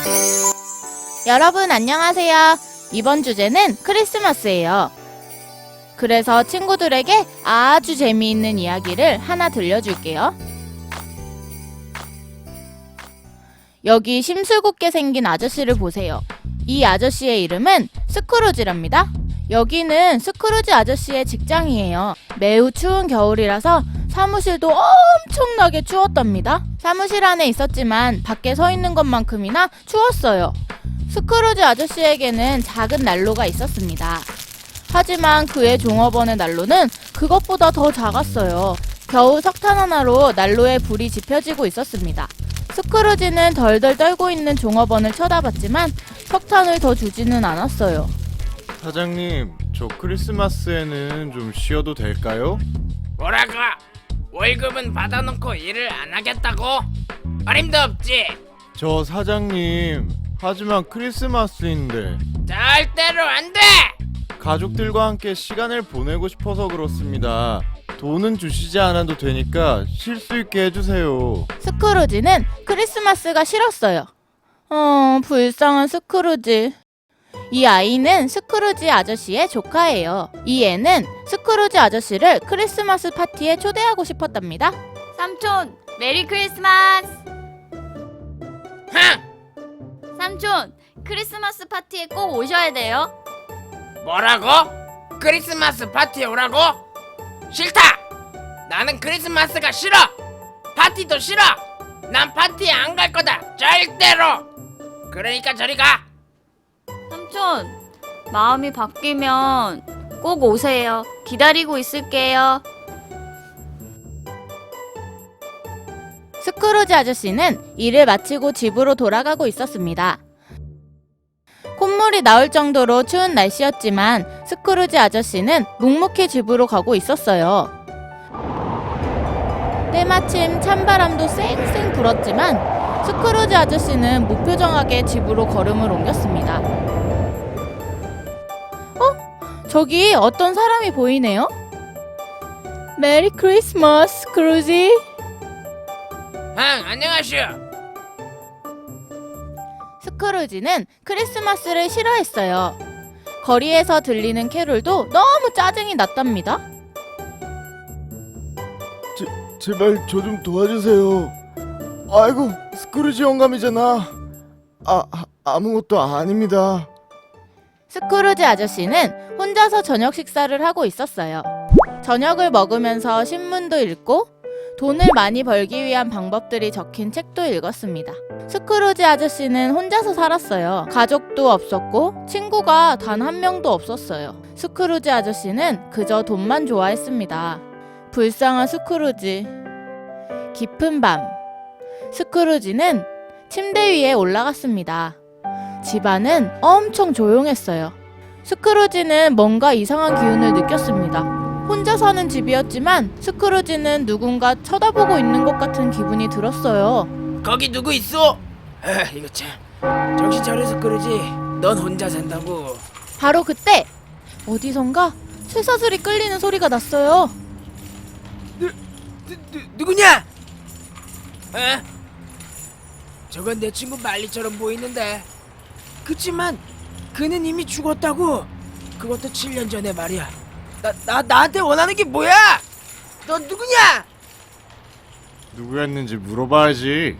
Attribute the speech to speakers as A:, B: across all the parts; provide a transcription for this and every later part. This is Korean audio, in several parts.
A: 여러분 안녕하세요. 이번 주제는 크리스마스예요. 그래서 친구들에게 아주 재미있는 이야기를 하나 들려줄게요. 여기 심술궂게 생긴 아저씨를 보세요. 이 아저씨의 이름은 스크루지랍니다. 여기는 스크루지 아저씨의 직장이에요. 매우 추운 겨울이라서 사무실도 엄청나게 추웠답니다. 사무실 안에 있었지만 밖에 서 있는 것만큼이나 추웠어요. 스크루지 아저씨에게는 작은 난로가 있었습니다. 하지만 그의 종업원의 난로는 그것보다 더 작았어요. 겨우 석탄 하나로 난로에 불이 지펴지고 있었습니다. 스크루지는 덜덜 떨고 있는 종업원을 쳐다봤지만 석탄을 더 주지는 않았어요.
B: 사장님, 저 크리스마스에는 좀 쉬어도 될까요?
C: 뭐라고? 월급은 받아놓고 일을 안 하겠다고? 어림도 없지.
B: 저 사장님, 하지만 크리스마스인데
C: 절대로 안 돼!
B: 가족들과 함께 시간을 보내고 싶어서 그렇습니다. 돈은 주시지 않아도 되니까 쉴 수 있게 해주세요.
A: 스크루지는 크리스마스가 싫었어요. 불쌍한 스크루지. 이 아이는 스크루지 아저씨의 조카예요. 이 애는 스크루지 아저씨를 크리스마스 파티에 초대하고 싶었답니다.
D: 삼촌, 메리 크리스마스!
C: 흥!
D: 삼촌, 크리스마스 파티에 꼭 오셔야 돼요.
C: 뭐라고? 크리스마스 파티에 오라고? 싫다! 나는 크리스마스가 싫어! 파티도 싫어! 난 파티에 안 갈 거다! 절대로! 그러니까 저리 가!
D: 삼촌, 마음이 바뀌면 꼭 오세요. 기다리고 있을게요.
A: 스크루지 아저씨는 일을 마치고 집으로 돌아가고 있었습니다. 콧물이 나올 정도로 추운 날씨였지만 스크루지 아저씨는 묵묵히 집으로 가고 있었어요. 때마침 찬바람도 쌩쌩 불었지만 스크루지 아저씨는 무표정하게 집으로 걸음을 옮겼습니다. 저기 어떤 사람이 보이네요? 메리 크리스마스, 스크루지.
C: 안녕하시오.
A: 스크루지는 크리스마스를 싫어했어요. 거리에서 들리는 캐롤도 너무 짜증이 났답니다.
B: 제발 저 좀 도와주세요. 아이고, 스크루지 영감이잖아. 아무것도 아닙니다.
A: 스크루지 아저씨는 혼자서 저녁 식사를 하고 있었어요. 저녁을 먹으면서 신문도 읽고 돈을 많이 벌기 위한 방법들이 적힌 책도 읽었습니다. 스크루지 아저씨는 혼자서 살았어요. 가족도 없었고 친구가 단 한 명도 없었어요. 스크루지 아저씨는 그저 돈만 좋아했습니다. 불쌍한 스크루지. 깊은 밤, 스크루지는 침대 위에 올라갔습니다. 집안은 엄청 조용했어요. 스크루지는 뭔가 이상한 기운을 느꼈습니다. 혼자 사는 집이었지만 스크루지는 누군가 쳐다보고 있는 것 같은 기분이 들었어요.
C: 거기 누구 있어? 이거 참 정신 차려서 그러지. 넌 혼자 산다고.
A: 바로 그때 어디선가 쇠사슬이 끌리는 소리가 났어요.
C: 누구냐? 저건 내 친구 말리처럼 보이는데. 그치만 그는 이미 죽었다고. 그것도 7년 전에 말이야. 나한테 원하는 게 뭐야? 너 누구냐?
B: 누구였는지 물어봐야지.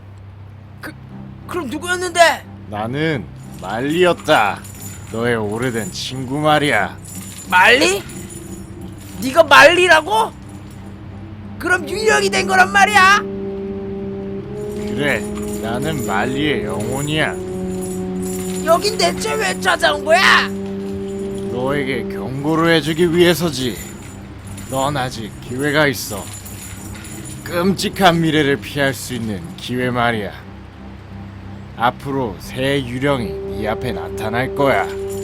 C: 그럼 누구였는데?
B: 나는 말리였다. 너의 오래된 친구 말이야.
C: 말리? 네가 말리라고? 그럼 유령이 된 거란 말이야?
B: 그래, 나는 말리의 영혼이야.
C: 여긴 대체 왜 찾아온 거야?
B: 너에게 경고를 해주기 위해서지. 넌 아직 기회가 있어. 끔찍한 미래를 피할 수 있는 기회 말이야. 앞으로 새 유령이 네 앞에 나타날 거야.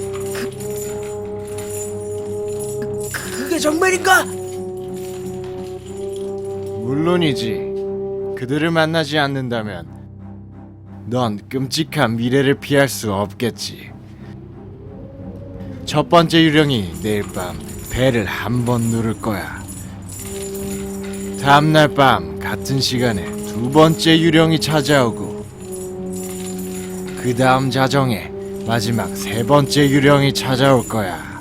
C: 그게 정말인가?
B: 물론이지. 그들을 만나지 않는다면 넌 끔찍한 미래를 피할 수 없겠지. 첫 번째 유령이 내일 밤 배를 한 번 누를 거야. 다음날 밤 같은 시간에 두 번째 유령이 찾아오고 그 다음 자정에 마지막 세 번째 유령이 찾아올 거야.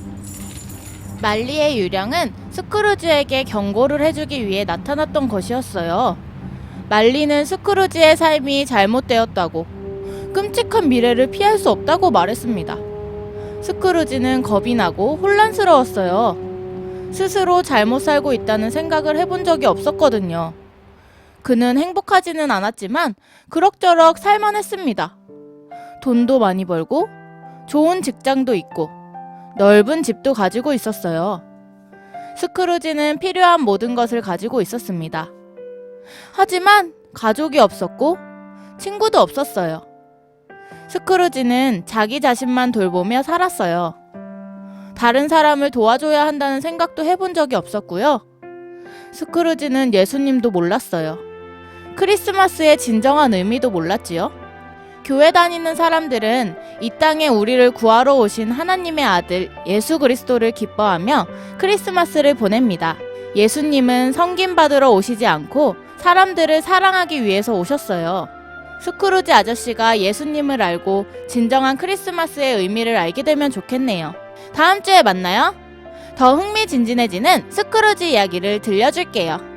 A: 말리의 유령은 스크루지에게 경고를 해주기 위해 나타났던 것이었어요. 말리는 스크루지의 삶이 잘못되었다고, 끔찍한 미래를 피할 수 없다고 말했습니다. 스크루지는 겁이 나고 혼란스러웠어요. 스스로 잘못 살고 있다는 생각을 해본 적이 없었거든요. 그는 행복하지는 않았지만 그럭저럭 살만했습니다. 돈도 많이 벌고 좋은 직장도 있고 넓은 집도 가지고 있었어요. 스크루지는 필요한 모든 것을 가지고 있었습니다. 하지만 가족이 없었고 친구도 없었어요. 스크루지는 자기 자신만 돌보며 살았어요. 다른 사람을 도와줘야 한다는 생각도 해본 적이 없었고요. 스크루지는 예수님도 몰랐어요. 크리스마스의 진정한 의미도 몰랐지요. 교회 다니는 사람들은 이 땅에 우리를 구하러 오신 하나님의 아들 예수 그리스도를 기뻐하며 크리스마스를 보냅니다. 예수님은 섬김받으러 오시지 않고 사람들을 사랑하기 위해서 오셨어요. 스크루지 아저씨가 예수님을 알고 진정한 크리스마스의 의미를 알게 되면 좋겠네요. 다음 주에 만나요. 더 흥미진진해지는 스크루지 이야기를 들려줄게요.